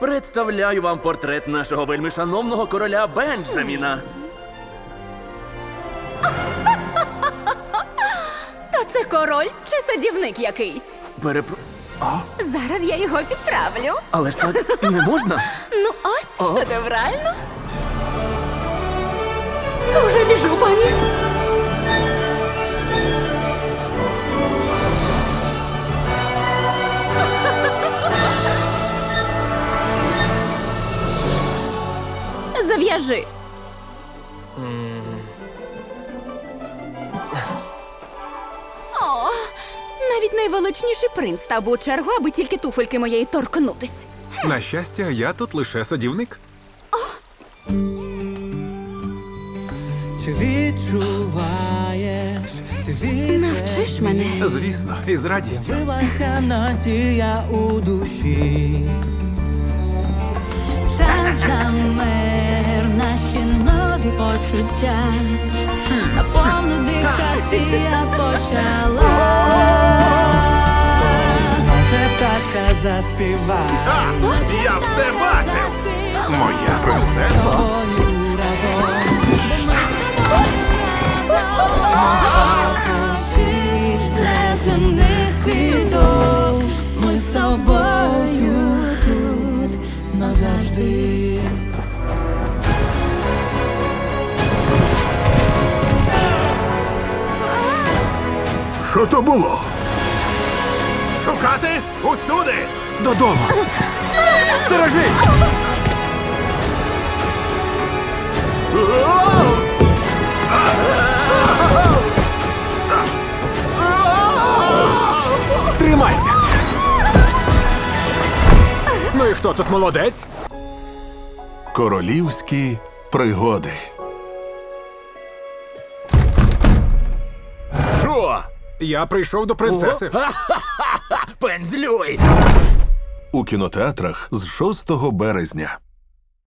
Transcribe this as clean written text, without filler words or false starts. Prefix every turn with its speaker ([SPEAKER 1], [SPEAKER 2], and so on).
[SPEAKER 1] Представляю вам портрет нашого вельмишановного короля Бенджаміна.
[SPEAKER 2] То це король чи садівник якийсь? Зараз я його підправлю.
[SPEAKER 1] Але ж так не можна.
[SPEAKER 2] Ну ось, шедеврально. Вже біжу, пані. Зав'яжи. О, навіть найвеличніший принц став би у чергу, аби тільки туфельки моєї торкнутись.
[SPEAKER 3] На щастя, я тут лише садівник.
[SPEAKER 4] Чи відчуваєш,
[SPEAKER 2] Навчиш мене.
[SPEAKER 3] Звісно, і з радістю.
[SPEAKER 4] Билася надія у душі.
[SPEAKER 5] Час замер, наші нові почуття. Наповну дихати я почала.
[SPEAKER 4] Може пташка заспіває
[SPEAKER 3] Я все бачив! Моя принцеса.
[SPEAKER 4] тобою разом.
[SPEAKER 5] Неземних квіток, ми з тобою тут назавжди.
[SPEAKER 3] Що то було? Шукати усюди! Додому! Сторожись! Тримайся! Ну і хто тут молодець?
[SPEAKER 6] Королівські пригоди.
[SPEAKER 1] Що?
[SPEAKER 3] Я прийшов до принцеси.
[SPEAKER 1] Пензлюй!
[SPEAKER 6] У кінотеатрах з 6 березня.